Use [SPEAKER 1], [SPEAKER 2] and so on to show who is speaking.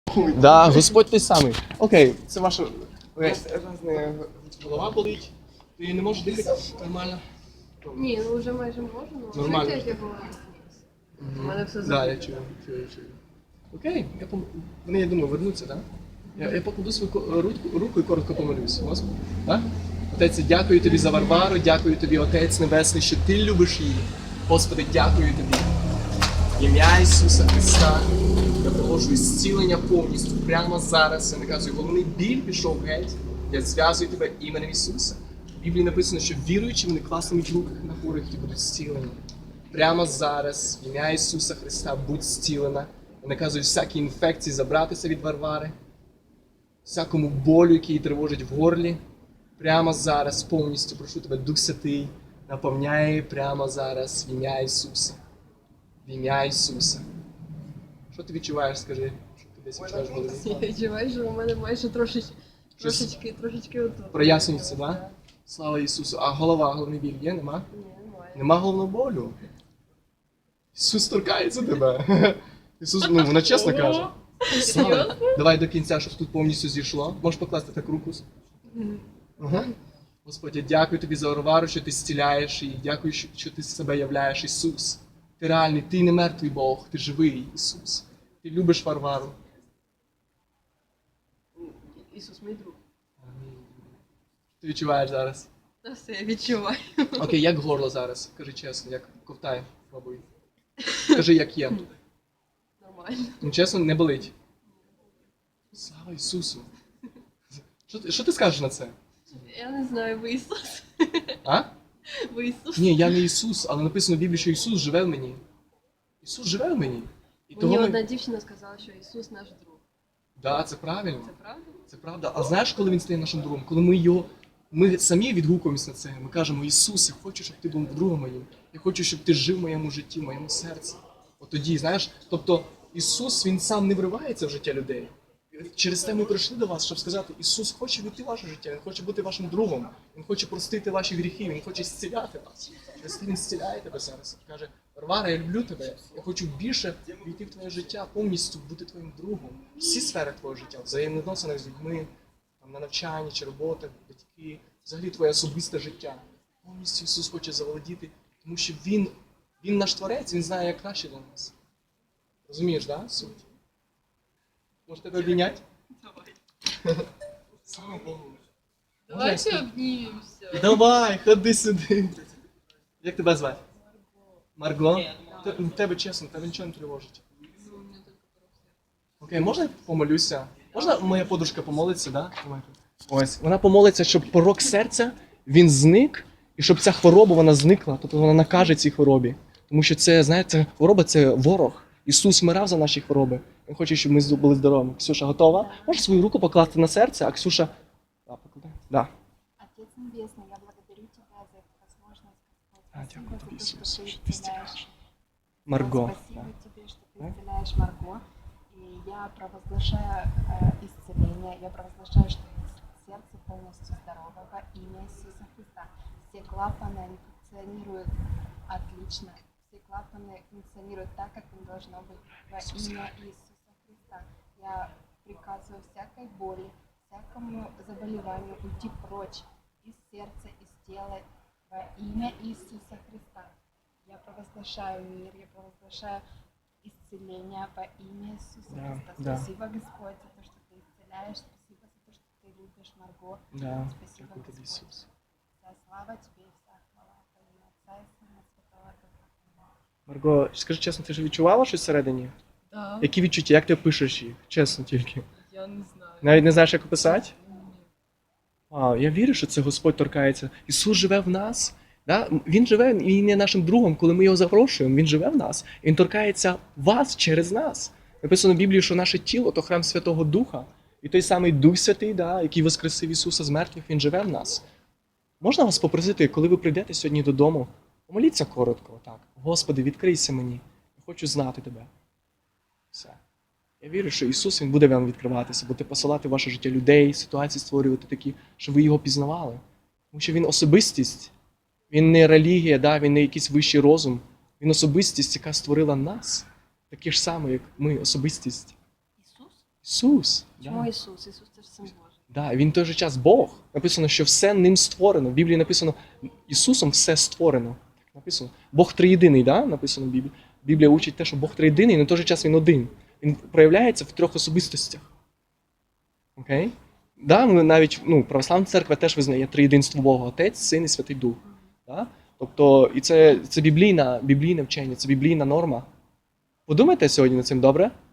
[SPEAKER 1] Да, Господь той самий. Окей, це ваша голова болить, ти не можеш дихати нормально?
[SPEAKER 2] Ні, ну вже майже можу, але
[SPEAKER 1] Нормально.
[SPEAKER 2] як я була. У мене все
[SPEAKER 1] Да, я чую. Окей, вони, я думаю, вернуться, так? Я покладу свою руку і коротко помолюсь. Господи. Так? Отець, дякую тобі за Варвару, дякую тобі, Отець Небесний, що ти любиш її. Господи, дякую тобі. В ім'я Ісуса Христа я проводжу зцілення повністю прямо зараз. Я наказую, головний біль пішов геть. Я зв'язую тебе іменем Ісуса. В Біблії написано, що віруючи, вони класнуть руки на хворих і будуть зцілені. Прямо зараз, в ім'я Ісуса Христа, будь зцілена. Я наказую всякі інфекції забратися від Варвари, всякому болю, який її тривожить в горлі. Прямо зараз повністю прошу тебе, Дух Святий, наповняй її прямо зараз в ім'я Ісуса. В ім'я Ісуса. Що ти відчуваєш, скажи? Що ти десь відчуваєш в голові?
[SPEAKER 2] Я відчуваю, що у мене майже трошечки отут.
[SPEAKER 1] Прояснюється, так? Да? Слава Ісусу. А головний біль є? Нема?
[SPEAKER 2] Ні, немає.
[SPEAKER 1] Нема головного болю. Ісус торкається тебе. Ісус, вона чесно каже. Слава. Давай до кінця, щоб тут повністю зійшло. Можеш покласти так руку? Ага. Господь, я дякую тобі за Варвару, що ти зціляєш її. Дякую, що ти себе являєш, Ісус. Ти реальний, ти не мертвий Бог, ти живий, Ісус. Ти любиш Варвару.
[SPEAKER 2] Ісус, мій друг.
[SPEAKER 1] Ти відчуваєш зараз?
[SPEAKER 2] Та все, я відчуваю.
[SPEAKER 1] Окей, як горло зараз? Кажи чесно, як ковтає, мабуть. Кажи, як є.
[SPEAKER 2] Нормально.
[SPEAKER 1] Ну, чесно, не болить. Слава Ісусу. Що ти скажеш на це?
[SPEAKER 2] Я не знаю, ви Ісус.
[SPEAKER 1] А?
[SPEAKER 2] Ви Ісус.
[SPEAKER 1] Ні, я не Ісус, але написано в Біблії, що Ісус живе в мені. Ісус живе в мені. І
[SPEAKER 2] Мені
[SPEAKER 1] того
[SPEAKER 2] одна дівчина сказала, що Ісус наш друг.
[SPEAKER 1] Да, це правильно.
[SPEAKER 2] Це правда?
[SPEAKER 1] Це правда. А знаєш, коли Він стає нашим другом? Коли ми самі відгукуємося на це. Ми кажемо, Ісус, я хочу, щоб ти був другом моїм. Я хочу, щоб ти жив в моєму житті, в моєму серці. От тоді, знаєш, тобто Ісус, Він сам не вривається в життя людей. Через те ми прийшли до вас, щоб сказати, Ісус хоче війти в ваше життя, Він хоче бути вашим другом, Він хоче простити ваші гріхи, Він хоче зціляти вас. Через те Він зціляє тебе зараз. Каже, Варвара, я люблю тебе, я хочу більше війти в твоє життя, повністю бути твоїм другом. Всі сфери твого життя, взаємовідносини з людьми, там, на навчанні чи робота, батьки, взагалі твоє особисте життя. Повністю Ісус хоче заволодіти, тому що Він наш Творець, Він знає, як краще для нас. Розумієш, да, суть? Може тебе обійняти?
[SPEAKER 2] Давай.
[SPEAKER 1] Слава Богу.
[SPEAKER 2] Давайте обнімемося.
[SPEAKER 1] Давай, ходи сюди. Як тебе звати? Марго. Тебе чесно, тебе нічого не тривожить. Окей, можна я помолюся? Можна моя подружка помолиться, да? Ось. Вона помолиться, щоб порок серця, він зник, і щоб ця хвороба, вона зникла, тобто вона накаже цій хворобі. Тому що це, знаєте, хвороба – це ворог. Ісус вмирав за наші хвороби. Він хоче, щоб ми були здоровими. Ксюша, готова? Можеш свою руку покласти на серце, а Ксюша... Да, покладай. Да.
[SPEAKER 3] Отец Небесный, я благодарю Тебя за эту возможность, Господь.
[SPEAKER 1] Дякую тобі,
[SPEAKER 3] Спасибо за то,
[SPEAKER 1] Ісус,
[SPEAKER 3] что
[SPEAKER 1] що
[SPEAKER 3] Ты
[SPEAKER 1] ти
[SPEAKER 3] исцеляешь.
[SPEAKER 1] зціляєш. Марго.
[SPEAKER 3] Спасибо Тебе, что Ты исцеляешь Марго. И я провозглашаю исцеление. Я провозглашаю, что сердце полностью здорово во имя Иисуса Христа. Все клапаны, они функционируют отлично. Все клапаны функционируют так, как им должно быть во имя Иисуса Христа. Я приказываю всякой боли, всякому заболеванию уйти прочь из сердца, из тела во имя Иисуса Христа. Я провозглашаю мир, я провозглашаю исцеление во имя Иисуса
[SPEAKER 1] Да,
[SPEAKER 3] Христа.
[SPEAKER 1] да.
[SPEAKER 3] Спасибо, Господь, за то, что Ты исцеляешь. Спасибо за то, что Ты любишь Марго.
[SPEAKER 1] Да.
[SPEAKER 3] Спасибо,
[SPEAKER 1] Дякую тобі,
[SPEAKER 3] Господь.
[SPEAKER 1] Ісус.
[SPEAKER 3] Вся слава Тебе и вся хвала во имя Отца и Сына Святого Духа.
[SPEAKER 1] Марго, скажи чесно, ти ж відчувала щось всередині?
[SPEAKER 2] Так.
[SPEAKER 1] Які відчуття? Як ти пишеш їх? Чесно тільки.
[SPEAKER 2] Я не знаю.
[SPEAKER 1] Навіть не знаєш, як описати?
[SPEAKER 2] Ні.
[SPEAKER 1] Вау, я вірю, що це Господь торкається. Ісус живе в нас. Да? Він живе, Він є нашим другом, коли ми його запрошуємо, Він живе в нас. Він торкається вас через нас. Написано в Біблії, що наше тіло – то храм Святого Духа. І той самий Дух Святий, да, який воскресив Ісуса з мертвих, Він живе в нас. Можна вас попросити, коли ви прийдете сьогодні додому, помоліться коротко, так. Господи, відкрийся мені. Я хочу знати Тебе. Все. Я вірю, що Ісус, Він буде вам відкриватися, буде посилати в ваше життя людей, ситуації створювати такі, щоб ви Його пізнавали. Тому що Він особистість. Він не релігія, да? Він не якийсь вищий розум. Він особистість, яка створила нас. Такі ж самі, як ми, особистість.
[SPEAKER 3] Иисус?
[SPEAKER 1] Ісус.
[SPEAKER 3] Чому
[SPEAKER 1] Да.
[SPEAKER 3] Ісус? Ісус це ж син Божий.
[SPEAKER 1] Да, він в той же час Бог. Написано, що все ним створено. В Біблії написано, Ісусом все створено. Так написано. Бог триєдиний, да? Написано в Біблії. Біблія учить те, що Бог триєдиний, але в той же час він один. Він проявляється в трьох особистостях. Окей? Да, ми навіть, православна церква теж визнає триєдинство Бога, Отець, Син і Святий Дух. Да? Тобто, і це біблійне вчення, це біблійна норма. Подумайте сьогодні над цим, добре?